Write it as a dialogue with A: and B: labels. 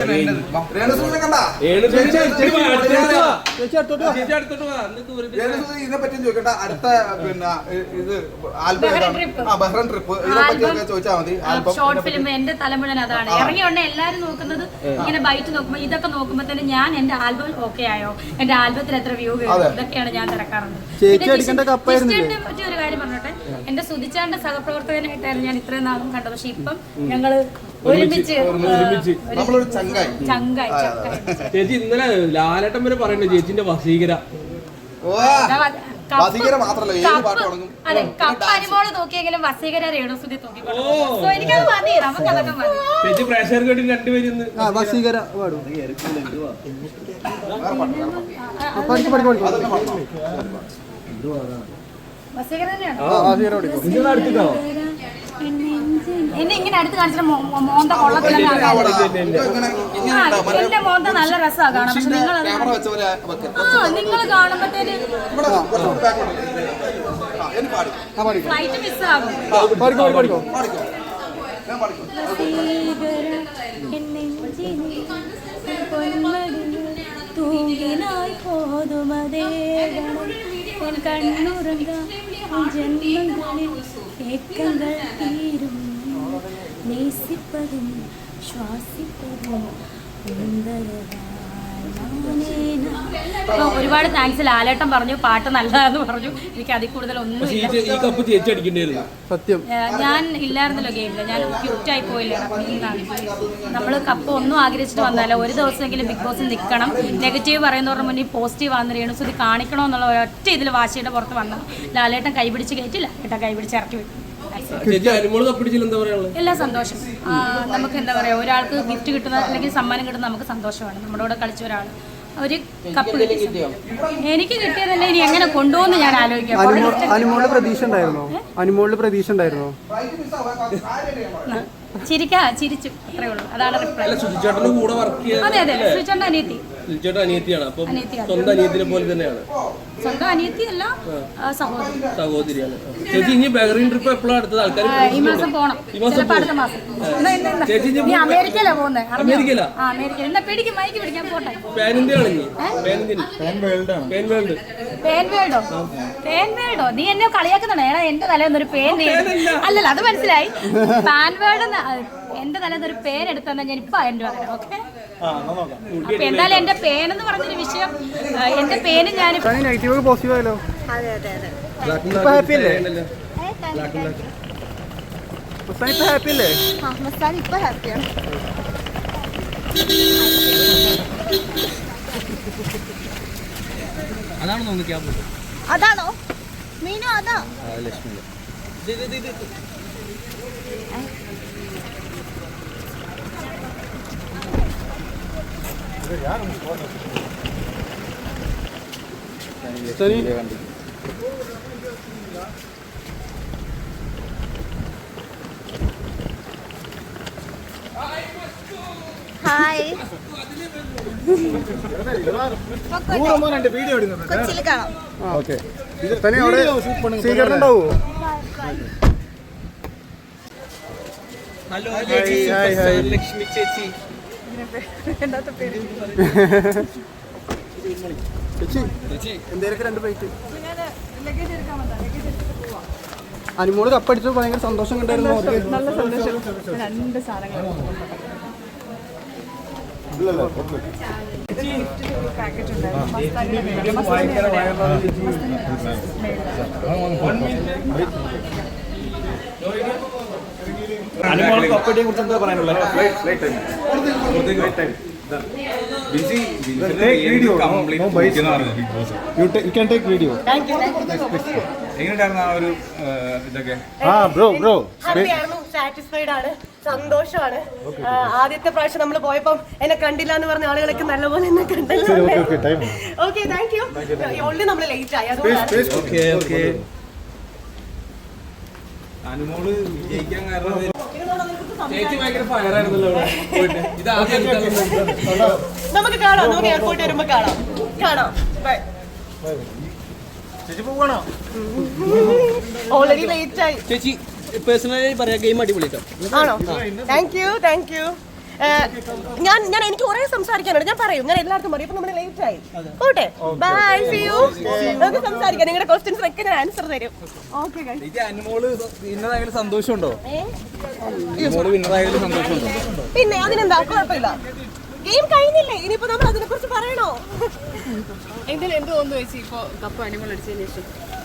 A: ഇതിനെപ്പറ്റി ചോദിക്കട്ടെ. അടുത്ത പിന്നെ ഇത് ബഹ്റൈൻ ട്രിപ്പ് ഇതിനെപ്പറ്റിയൊക്കെ ചോദിച്ചാൽ മതി.
B: ഷോർട്ട് ഫിലിം എന്റെ തലമുഴൻ അതാണ് ഇറങ്ങിയോണ്ട് എല്ലാരും നോക്കുന്നത്. ഇങ്ങനെ ബൈറ്റ് നോക്കുമ്പോ ഇതൊക്കെ നോക്കുമ്പോ തന്നെ ഞാൻ എന്റെ ആൽബം ഓക്കെ ആയോ, എന്റെ ആൽബത്തിൽ എത്ര വ്യൂ ഇതൊക്കെയാണ് ഞാൻ തിരക്കാറുള്ളത്. പറ്റിയ ഒരു കാര്യം പറഞ്ഞോട്ടെ, എന്റെ സുധിച്ചാന്റെ സഹപ്രവർത്തകനായിട്ടായിരുന്നു ഞാൻ ഇത്രയും നാളും കണ്ടത്. പക്ഷെ ഇപ്പം ഞങ്ങള് ഒരുമിച്ച് ചങ്കായി.
C: ചേച്ചി ഇന്നലെ ലാലേട്ടൻ വരെ പറയണ്ടേ ചേച്ചിന്റെ വസീകര
B: അതെ കപ്പ അനുമോള് നോക്കിയെങ്കിലും വസീകര രേണുസുതി നോക്കി. എനിക്കത് മതി, നമുക്കതൊക്കെ മതി.
C: ചേച്ചി പ്രേക്ഷകർ കേട്ടി രണ്ടുപേരും
D: വസീകര
B: വസീകര തന്നെയാണോ? എന്നെ ഇങ്ങനെ അടുത്ത് കാണിച്ചിട്ട് മോന്ത കൊള്ളത്തില്ല. എന്റെ മോന്ത നല്ല രസമാണ് കാണാൻ. പക്ഷെ നിങ്ങൾ കാണുമ്പോഴത്തേന് ഫ്ലൈറ്റ് മിസ്സാകും. തൂങ്ങിനായി പോതുമതേ കണ്ണുറങ്ങാൻ ജന്മങ്ങളിൽ ഏക്കങ്ങൾ തീരും നേസിപ്പതും ശ്വാസിപ്പതും. ഒരുപാട് താങ്ക്സ്. ലാലേട്ടൻ പറഞ്ഞു പാട്ട് നല്ലതാന്ന് പറഞ്ഞു. എനിക്ക് അതിൽ കൂടുതൽ ഒന്നും
D: സത്യം.
B: ഞാൻ ഇല്ലായിരുന്നല്ലോ ഗെയിമില്, ഞാൻ ക്യൂറ്റായി പോയില്ല. നമ്മൾ കപ്പ് ഒന്നും ആഗ്രഹിച്ചിട്ട് വന്നാലോ, ഒരു ദിവസമെങ്കിലും ബിഗ് ബോസിൽ നിൽക്കണം. നെഗറ്റീവ് പറയുന്നവരുടെ മുന്നിൽ പോസിറ്റീവ് ആണെന്ന് രേണുസുതി കാണിക്കണമെന്നുള്ള ഒരൊറ്റ ഇതിൽ വാശിയുടെ പുറത്ത് വന്നു. ലാലേട്ടൻ കൈപിടിച്ച് കയറ്റില്ല, ലാലേട്ടൻ കൈപിടിച്ച് ഇറക്കി വിട്ടു. എല്ലാ സന്തോഷം. നമുക്ക് എന്താ പറയാ, ഒരാൾക്ക് ഗിഫ്റ്റ് കിട്ടുന്ന അല്ലെങ്കിൽ സമ്മാനം കിട്ടുന്ന നമുക്ക് സന്തോഷമാണ്. നമ്മുടെ കൂടെ കളിച്ച ഒരാൾ ഒരു കപ്പ് എനിക്ക് കിട്ടിയതല്ലേ, ഇനി എങ്ങനെ കൊണ്ടുപോകുന്നു ഞാൻ ആലോചിക്കാം.
D: അനുമോളിൽ പ്രതീക്ഷ ഉണ്ടായിരുന്നോ? അനുമോളിൽ പ്രതീക്ഷ ഉണ്ടായിരുന്നോ?
B: ചിരിച്ചു, അത്രേ ഉള്ളൂ. അതാണ് അതെ അതെ. സുചേട്ടൻ്റെ
C: അനിയത്തിയാണ്. സ്വന്തം അനിയത്തിനെ പോലെ തന്നെയാണ്.
B: സ്വന്തം അനിയത്തിയല്ല,
C: സഹോദരിയാണ്. ചേച്ചി ഇനി ബഹ്റൈൻ ട്രിപ്പ് എപ്പോഴാണ് അടുത്തത്? ആൾക്കാർ
B: ഈ മാസം പോണം, അടുത്ത മാസം. നീ അമേരിക്കയിലാ പോകുന്നത്? അമേരിക്കയില എന്നാ പിടിക്കും, മൈക്ക് പിടിക്കാൻ പോട്ടെ. പേൻവേൾഡോ? നീ എന്നെ കളിയാക്കുന്നുണ്ടോ? ഏടാ എന്റെ തലേന്നൊരു പേൻ. അല്ലല്ല, അത് മനസ്സിലായി. പാൻവേൾഡ് എന്റെ തലേന്നൊരു പേൻ എടുത്തന്നെ ഞാൻ ഇപ്പൊ അതിന്റെ പറയാം. ഓക്കെ, അപ്പൊ എന്തായാലും എന്റെ പേനെന്ന് പറഞ്ഞൊരു വിഷയം, എന്റെ പേന് ഞാൻ
D: പോസിറ്റീവ് ആയല്ലോ. ഹാപ്പി അല്ലേ? ഹാപ്പി അല്ലേ?
E: ഇപ്പൊ ഹാപ്പിയാണ്.
C: അതാണോ നോക്കി?
E: അതാണോ മീനു? അതാ
C: ലക്ഷ്മി.
E: ഹായ്, കൊച്ചിയിൽ കാണാം.
D: സ്വീകരണമുണ്ടാവോ?
C: ഹലോ ലക്ഷ്മി ചേച്ചി.
D: എന്തേലൊക്കെ 2 പ്ലേറ്റ്. അനുമോള് കപ്പടിച്ചപ്പോൾ ഭയങ്കര സന്തോഷം കണ്ടായിരുന്നു.
F: നല്ല സന്തോഷം. 2 സാധനങ്ങൾ പാക്കറ്റ് ഉണ്ടായിരുന്നു.
C: കപ്പടിയെ കുറിച്ച് എന്താ പറയാനുള്ളത്?
F: സാറ്റിസ്ഫൈഡ് ആണ്, സന്തോഷമാണ്. ആദ്യത്തെ പ്രാവശ്യം നമ്മൾ പോയപ്പം എന്നെ കണ്ടില്ല എന്ന് പറഞ്ഞ ആളുകളൊക്കെ നല്ലപോലെ എന്നെ കണ്ടല്ലോ. Okay, thank you. ഓൾറെഡി നമ്മൾ ലേറ്റ് ആയി, അതുകൊണ്ടാണ്.
C: അനുമോള് വിജയിക്കാൻ കാരണം ചേച്ചി ഭയങ്കര ഫയറായിരുന്നല്ലോ.
F: നമുക്ക് കാണാം, നമുക്ക് എയർപോർട്ട് വരുമ്പോ കാണാം. ബൈ.
C: ചേച്ചി പോകണോ?
F: ഓൾറെഡി ലേറ്റ് ആയി.
C: ചേച്ചി പേഴ്സണലി പറയാ, ഗെയിം അടിപൊളിയാട്ടോ.
F: ആണോ? Thank you. ഞാൻ എനിക്ക് കുറെ സംസാരിക്കാനുണ്ട്. ഞാൻ പറയും, ഞാൻ എല്ലാവർക്കും പറയും. ഇപ്പൊ നമ്മൾ ലേറ്റ് ആയി. ഓട്ടെ, ബൈ, സീ യു. നമുക്ക് സംസാരിക്കാം. നിങ്ങളുടെ ക്വസ്റ്റ്യൻസിനൊക്കെ ഞാൻ ആൻസർ തരും. ഓക്കെ
D: സന്തോഷമുണ്ടോ?
F: പിന്നെ അതിനെന്താ, കുഴപ്പമില്ല. ഗെയിം കഴിഞ്ഞില്ലേ, ഇനിയിപ്പോ നമ്മൾ അതിനെ കുറിച്ച് പറയണോ?
G: എന്ത് തോന്നുന്നു ചേച്ചി ഇപ്പൊ കപ്പ് അനിമൽ അടിച്ചതിന് ശേഷം?